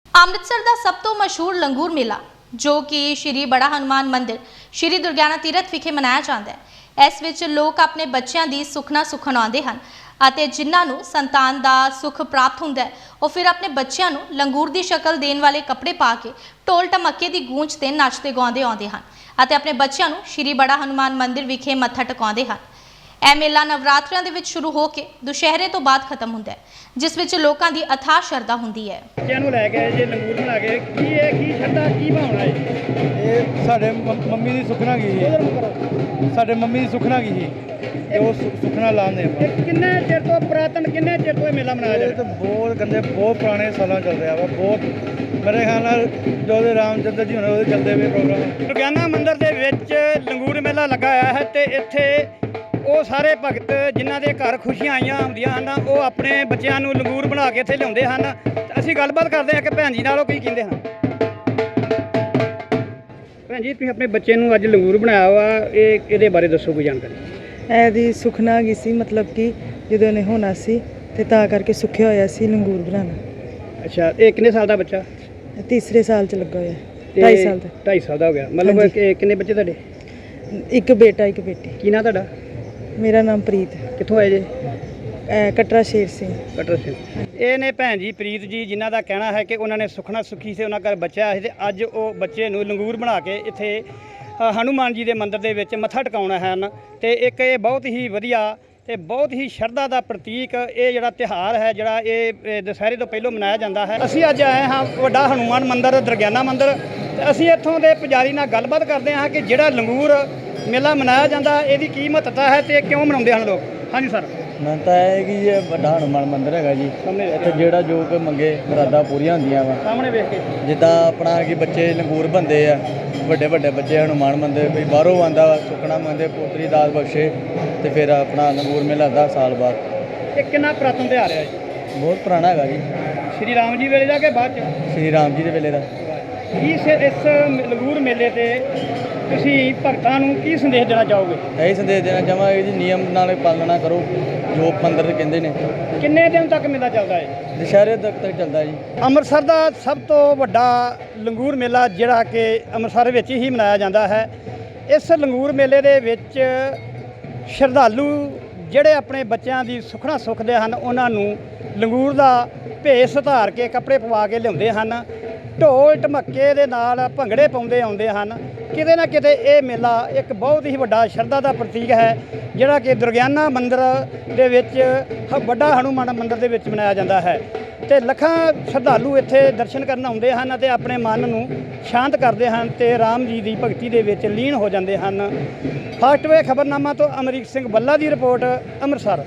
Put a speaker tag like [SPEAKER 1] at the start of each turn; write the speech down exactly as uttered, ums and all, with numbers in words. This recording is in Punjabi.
[SPEAKER 1] ਅੰਮ੍ਰਿਤਸਰ ਦਾ ਸਭ ਤੋਂ ਮਸ਼ਹੂਰ ਲੰਗੂਰ ਮੇਲਾ ਜੋ ਕਿ ਸ਼੍ਰੀ ਬੜਾ ਹਨੂਮਾਨ ਮੰਦਿਰ ਸ਼੍ਰੀ ਦੁਰਗਿਆਨਾ ਤੀਰਥ ਵਿਖੇ ਮਨਾਇਆ ਜਾਂਦਾ ਹੈ। ਇਸ ਵਿੱਚ ਲੋਕ ਆਪਣੇ ਬੱਚਿਆਂ ਦੀ ਸੁਖਨਾ ਸੁਖਣ ਆਉਂਦੇ ਹਨ ਅਤੇ ਜਿਨ੍ਹਾਂ ਨੂੰ ਸੰਤਾਨ ਦਾ ਸੁਖ ਪ੍ਰਾਪਤ ਹੁੰਦਾ ਹੈ ਉਹ ਫਿਰ ਆਪਣੇ ਬੱਚਿਆਂ ਨੂੰ ਲੰਗੂਰ ਦੀ ਸ਼ਕਲ ਦੇਣ ਵਾਲੇ ਕੱਪੜੇ ਪਾ ਕੇ ਢੋਲ ਢਮੱਕੇ ਦੀ ਗੂੰਜ ਤੇ ਨੱਚਦੇ ਗਾਉਂਦੇ ਆਉਂਦੇ ਹਨ ਅਤੇ ਆਪਣੇ ਬੱਚਿਆਂ ਨੂੰ ਸ਼੍ਰੀ ਬੜਾ ਹਨੂਮਾਨ ਮੰਦਿਰ ਵਿਖੇ ਮੱਥਾ ਟਿਕਾਉਂਦੇ ਹਨ। ਇਹ ਮੇਲਾ ਨਵਰਾਤਰਿਆਂ ਦੇ ਵਿੱਚ ਸ਼ੁਰੂ ਹੋ ਕੇ ਦੁਸ਼ਹਿਰੇ ਤੋਂ ਬਾਅਦ ਖਤਮ ਹੁੰਦਾ ਹੈ, ਜਿਸ ਵਿੱਚ ਲੋਕਾਂ ਦੀ ਅਥਾਹ ਸ਼ਰਧਾ ਹੁੰਦੀ ਹੈ।
[SPEAKER 2] ਬੱਚਿਆਂ ਨੂੰ ਲੈ ਕੇ ਜੇ ਲੰਗੂਰ ਬਣਾ ਕੇ ਕੀ ਇਹ ਕੀ ਸ਼ਰਧਾ ਕੀ ਭਾਵਨਾ ਹੈ?
[SPEAKER 3] ਇਹ ਸਾਡੇ ਮੰਮੀ ਦੀ ਸੁਖਨਾ ਗਈ ਸੀ, ਸਾਡੇ ਮੰਮੀ ਦੀ ਸੁਖਨਾ ਗਈ ਸੀ ਤੇ ਉਹ ਸੁਖਨਾ ਲਾਉਂਦੇ ਆਪਾਂ।
[SPEAKER 2] ਇਹ ਕਿੰਨੇ ਚਿਰ ਤੋਂ ਪੁਰਾਤਨ ਕਿੰਨੇ ਚਿਰ ਤੋਂ ਇਹ ਮੇਲਾ ਮਨਾਇਆ
[SPEAKER 3] ਇਹ
[SPEAKER 2] ਜਾਂਦਾ?
[SPEAKER 3] ਤਾਂ ਬਹੁਤ ਕਹਿੰਦੇ ਬਹੁਤ ਪੁਰਾਣੇ ਸਾਲਾਂ ਚੱਲ ਰਿਹਾ ਵਾ। ਬਹੁਤ ਮੇਰੇ ਖਿਆਲ ਨਾਲ ਜੋ ਦੇ ਰਾਮਚੰਦਰ ਜੀ ਹੋਣੇ ਉਹਦੇ ਚੱਲਦੇ ਪਏ ਪ੍ਰੋਗਰਾਮ।
[SPEAKER 2] ਦੁਰਗਿਆਨਾ ਮੰਦਿਰ ਦੇ ਵਿੱਚ ਲੰਗੂਰ ਮੇਲਾ ਲੱਗਾ ਹੋਇਆ ਹੈ ਤੇ ਇੱਥੇ ਉਹ ਸਾਰੇ ਭਗਤ ਜਿਨ੍ਹਾਂ ਦੇ ਘਰ ਖੁਸ਼ੀਆਂ ਆਈਆਂ ਹੁੰਦੀਆਂ ਹਨ ਉਹ ਆਪਣੇ ਬੱਚਿਆਂ ਨੂੰ ਲੰਗੂਰ ਬਣਾ ਕੇ ਇੱਥੇ ਲਿਆਉਂਦੇ ਹਨ। ਅਸੀਂ ਗੱਲਬਾਤ ਕਰਦੇ ਹਾਂ ਕਿ ਭੈਣ ਜੀ ਨਾਲ ਉਹ ਕੀ ਕਹਿੰਦੇ ਹਨ। ਭੈਣ ਜੀ, ਤੁਸੀਂ ਆਪਣੇ ਬੱਚੇ ਨੂੰ ਅੱਜ ਲੰਗੂਰ ਬਣਾਇਆ ਵਾ, ਇਹ ਇਹਦੇ ਬਾਰੇ ਦੱਸੋ ਕੋਈ ਜਾਣਕਾਰੀ।
[SPEAKER 4] ਇਹਦੀ ਸੁਖਨਾ ਗਈ ਸੀ, ਮਤਲਬ ਕਿ ਜਦੋਂ ਇਹਨੇ ਹੋਣਾ ਸੀ ਤੇ ਤਾਂ ਕਰਕੇ ਸੁੱਖਿਆ ਹੋਇਆ ਸੀ ਲੰਗੂਰ ਬਣਾਉਣਾ।
[SPEAKER 2] ਅੱਛਾ, ਇਹ ਕਿੰਨੇ ਸਾਲ ਦਾ ਬੱਚਾ?
[SPEAKER 4] ਤੀਸਰੇ ਸਾਲ ਚ ਲੱਗਾ ਹੋਇਆ, ਢਾਈ ਸਾਲ ਦਾ।
[SPEAKER 2] ਢਾਈ ਸਾਲ ਦਾ ਹੋ ਗਿਆ ਮਤਲਬ ਕਿ ਕਿੰਨੇ ਬੱਚੇ ਤੁਹਾਡੇ?
[SPEAKER 4] ਇੱਕ ਬੇਟਾ ਇੱਕ ਬੇਟੀ।
[SPEAKER 2] ਕੀ ਨਾਂ ਤੁਹਾਡਾ?
[SPEAKER 4] ਮੇਰਾ ਨਾਮ ਪ੍ਰੀਤ।
[SPEAKER 2] ਕਿੱਥੋਂ ਆਏ ਜੇ?
[SPEAKER 4] ਅਹ ਕਟਰਾ ਸ਼ੇਰ ਸਿੰਘ।
[SPEAKER 2] ਕਟਰ ਸਿੰਘ। ਇਹ ਨੇ ਭੈਣ ਜੀ ਪ੍ਰੀਤ ਜੀ, ਜਿਨ੍ਹਾਂ ਦਾ ਕਹਿਣਾ ਹੈ ਕਿ ਉਹਨਾਂ ਨੇ ਸੁਖਨਾ ਸੁਖੀ ਸੀ, ਉਹਨਾਂ ਘਰ ਬੱਚਾ ਆਇਆ ਸੀ ਤੇ ਅੱਜ ਉਹ ਬੱਚੇ ਨੂੰ ਲੰਗੂਰ ਬਣਾ ਕੇ ਇੱਥੇ ਅ, ਹਨੂਮਾਨ ਜੀ ਦੇ ਮੰਦਿਰ ਦੇ ਵਿੱਚ ਮੱਥਾ ਟਿਕਾਉਣਾ ਹਨ। ਤੇ ਇੱਕ ਇਹ ਬਹੁਤ ਹੀ ਵਧੀਆ ਤੇ ਬਹੁਤ ਹੀ ਸ਼ਰਧਾ ਦਾ ਪ੍ਰਤੀਕ ਇਹ ਜਿਹੜਾ ਤਿਉਹਾਰ ਹੈ, ਜਿਹੜਾ ਇਹ ਇਹ ਦੁਸਹਿਰੇ ਤੋਂ ਪਹਿਲਾਂ ਮਨਾਇਆ ਜਾਂਦਾ ਹੈ। ਅਸੀਂ ਅੱਜ ਆਏ ਹਾਂ ਵੱਡਾ ਹਨੂਮਾਨ ਮੰਦਿਰ ਦੁਰਗਿਆਨਾ ਮੰਦਿਰ ਤੇ ਅਸੀਂ ਇੱਥੋਂ ਦੇ ਪੁਜਾਰੀ ਨਾਲ ਗੱਲਬਾਤ ਕਰਦੇ ਹਾਂ ਕਿ ਜਿਹੜਾ ਲੰਗੂਰ ਮੇਲਾ ਮਨਾਇਆ ਜਾਂਦਾ ਇਹਦੀ ਕੀ ਮਹੱਤਤਾ ਹੈ ਤੇ ਕਿਉਂ ਮਨਾਉਂਦੇ ਹਨ ਲੋਕ। ਹਾਂਜੀ ਸਰ।
[SPEAKER 3] ਮੰਨਤਾ ਹੈ ਕਿ ਇਹ ਵੱਡਾ ਹਨੂਮਾਨ ਮੰਦਿਰ ਹੈਗਾ ਜੀ।
[SPEAKER 2] ਸਾਹਮਣੇ
[SPEAKER 3] ਇੱਥੇ ਜਿਹੜਾ ਜੋ ਕੋਈ ਮੰਗੇ ਮੁਰਾਦਾਂ ਪੂਰੀਆਂ ਹੁੰਦੀਆਂ ਵਾ।
[SPEAKER 2] ਸਾਹਮਣੇ ਵੇਖ ਕੇ
[SPEAKER 3] ਜਿੱਦਾਂ ਆਪਣਾ ਕਿ ਬੱਚੇ ਲੰਗੂਰ ਬੰਦੇ ਆ, ਵੱਡੇ ਵੱਡੇ ਬੱਚੇ ਹਨੂਮਾਨ ਮੰਦਿਰ ਵੀ ਬਾਹਰੋਂ ਆਉਂਦਾ ਵਾ, ਸੁਖਣਾ ਮੰਦੇ ਪੋਤਰੀ ਦਾਸ ਬਖਸ਼ੇ ਤੇ ਫਿਰ ਆਪਣਾ ਲੰਗੂਰ ਮੇਲਾ ਲੱਗਦਾ ਸਾਲ ਬਾਅਦ।
[SPEAKER 2] ਇਹ ਕਿੰਨਾ ਪੁਰਾਤਨ ਤਿਉਹਾਰ ਹੈ ਜੀ?
[SPEAKER 3] ਬਹੁਤ ਪੁਰਾਣਾ ਹੈਗਾ ਜੀ,
[SPEAKER 2] ਸ਼੍ਰੀ ਰਾਮ ਜੀ ਵੇਲੇ ਜਾ ਕੇ ਬਾਅਦ ਚ?
[SPEAKER 3] ਸ਼੍ਰੀ ਰਾਮ ਜੀ ਦੇ ਵੇਲੇ ਦਾ।
[SPEAKER 2] ਇਸ ਇਸ ਲੰਗੂਰ ਮੇਲੇ ਤੇ ਤੁਸੀਂ ਭਗਤਾਂ ਨੂੰ ਕੀ ਸੰਦੇਸ਼ ਦੇਣਾ ਚਾਹੋਗੇ?
[SPEAKER 3] ਇਹੀ ਸੰਦੇਸ਼ ਦੇਣਾ ਚਾਹਾਂਗੇ ਜੀ, ਨਿਯਮ ਨਾਲ ਪਾਲਣਾ ਕਰੋ ਜੋ ਮੰਦਿਰ ਕਹਿੰਦੇ ਨੇ।
[SPEAKER 2] ਕਿੰਨੇ ਦਿਨ ਤੱਕ ਮੇਲਾ ਚੱਲਦਾ ਹੈ?
[SPEAKER 3] ਦੁਸ਼ਹਿਰੇ ਤੱਕ ਤੱਕ ਚੱਲਦਾ ਜੀ।
[SPEAKER 2] ਅੰਮ੍ਰਿਤਸਰ ਦਾ ਸਭ ਤੋਂ ਵੱਡਾ ਲੰਗੂਰ ਮੇਲਾ ਜਿਹੜਾ ਕਿ ਅੰਮ੍ਰਿਤਸਰ ਵਿੱਚ ਹੀ ਮਨਾਇਆ ਜਾਂਦਾ ਹੈ। ਇਸ ਲੰਗੂਰ ਮੇਲੇ ਦੇ ਵਿੱਚ ਸ਼ਰਧਾਲੂ ਜਿਹੜੇ ਆਪਣੇ ਬੱਚਿਆਂ ਦੀ ਸੁਖਣਾ ਸੁਖਦੇ ਹਨ ਉਹਨਾਂ ਨੂੰ ਲੰਗੂਰ ਦਾ ਭੇਸ ਧਾਰ ਕੇ ਕੱਪੜੇ ਪਵਾ ਕੇ ਲਿਆਉਂਦੇ ਹਨ, ਢੋਲ ਢਮੱਕੇ ਦੇ ਨਾਲ ਭੰਗੜੇ ਪਾਉਂਦੇ ਆਉਂਦੇ ਹਨ। ਕਿਤੇ ਨਾ ਕਿਤੇ ਇਹ ਮੇਲਾ ਇੱਕ ਬਹੁਤ ਹੀ ਵੱਡਾ ਸ਼ਰਧਾ ਦਾ ਪ੍ਰਤੀਕ ਹੈ ਜਿਹੜਾ ਕਿ ਦੁਰਗਿਆਨਾ ਮੰਦਿਰ ਦੇ ਵਿੱਚ ਹ- ਵੱਡਾ ਹਨੂਮਾਨ ਮੰਦਿਰ ਦੇ ਵਿੱਚ ਮਨਾਇਆ ਜਾਂਦਾ ਹੈ ਤੇ ਲੱਖਾਂ ਸ਼ਰਧਾਲੂ ਇੱਥੇ ਦਰਸ਼ਨ ਕਰਨ ਆਉਂਦੇ ਹਨ ਅਤੇ ਆਪਣੇ ਮਨ ਨੂੰ ਸ਼ਾਂਤ ਕਰਦੇ ਹਨ ਤੇ ਰਾਮ ਜੀ ਦੀ ਭਗਤੀ ਦੇ ਵਿੱਚ ਲੀਨ ਹੋ ਜਾਂਦੇ ਹਨ। ਫਾਸਟਵੇ ਖਬਰਨਾਮਾ ਤੋਂ ਅਮਰੀਕ ਸਿੰਘ ਬੱਲਾ ਦੀ ਰਿਪੋਰਟ, ਅੰਮ੍ਰਿਤਸਰ।